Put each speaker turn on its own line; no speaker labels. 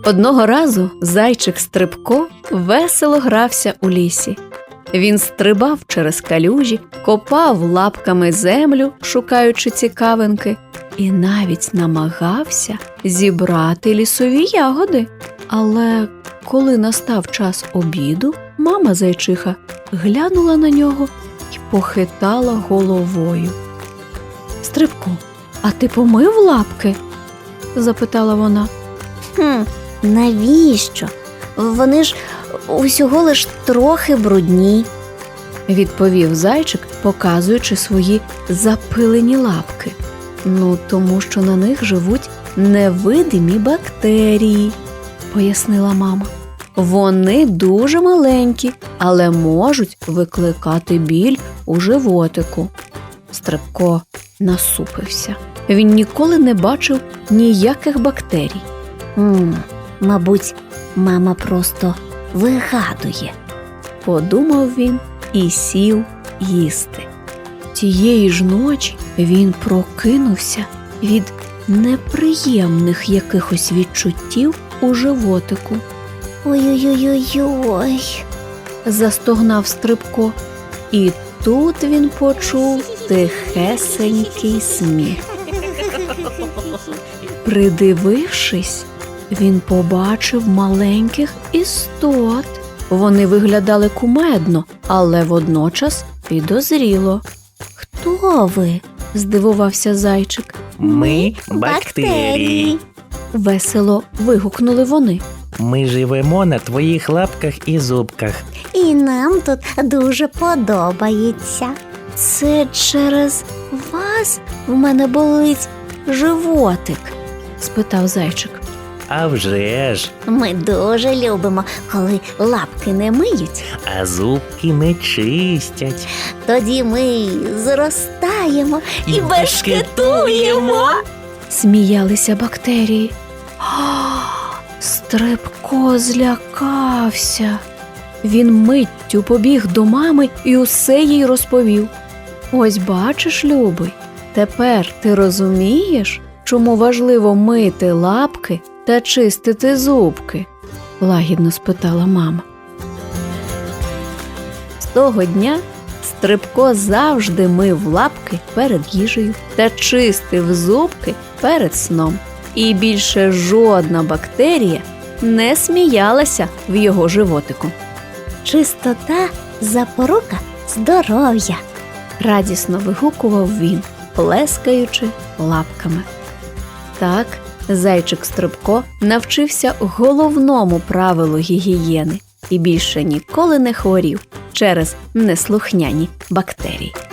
Одного разу зайчик Стрибко весело грався у лісі. Він стрибав через калюжі, копав лапками землю, шукаючи цікавинки, і навіть намагався зібрати лісові ягоди. Але коли настав час обіду, мама зайчиха глянула на нього і похитала головою. «Стрибко, а ти помив лапки?» – запитала вона.
Навіщо? Вони ж усього лиш трохи брудні»,
– відповів зайчик, показуючи свої запилені лапки. Тому що на них живуть невидимі бактерії, пояснила мама. Вони дуже маленькі, але можуть викликати біль у животику. Стрибко насупився. Він ніколи не бачив ніяких бактерій.
Мабуть, мама просто вигадує,
подумав він і сів їсти. Тієї ж ночі він прокинувся від неприємних якихось відчуттів у животику.
«Ой-ой-ой-ой-ой»,
– застогнав Стрибко. І тут він почув тихесенький сміх. Придивившись, він побачив маленьких істот. Вони виглядали кумедно, але водночас підозріло.
«Хто ви?»
– здивувався зайчик.
Ми бактерії.
Весело вигукнули вони.
Ми живемо на твоїх лапках і зубках.
І нам тут дуже подобається.
Це через вас в мене болить животик? – спитав зайчик.
А вже ж,
Ми дуже любимо, коли лапки не миють.
а зубки не чистять.
Тоді ми зростаємо і
І
бешкетуємо.
Сміялися бактерії. Стрибко злякався. Він миттю побіг до мами і усе їй розповів. Ось бачиш, любий, тепер ти розумієш, чому важливо мити лапки та чистити зубки? Лагідно спитала мама. З того дня Стрибко завжди мив лапки перед їжею та чистив зубки перед сном. І більше жодна бактерія не сміялася в його животику.
Чистота – запорука здоров'я.
Радісно вигукував він, плескаючи лапками. Так зайчик Стрибко навчився головному правилу гігієни і більше ніколи не хворів через неслухняні бактерії.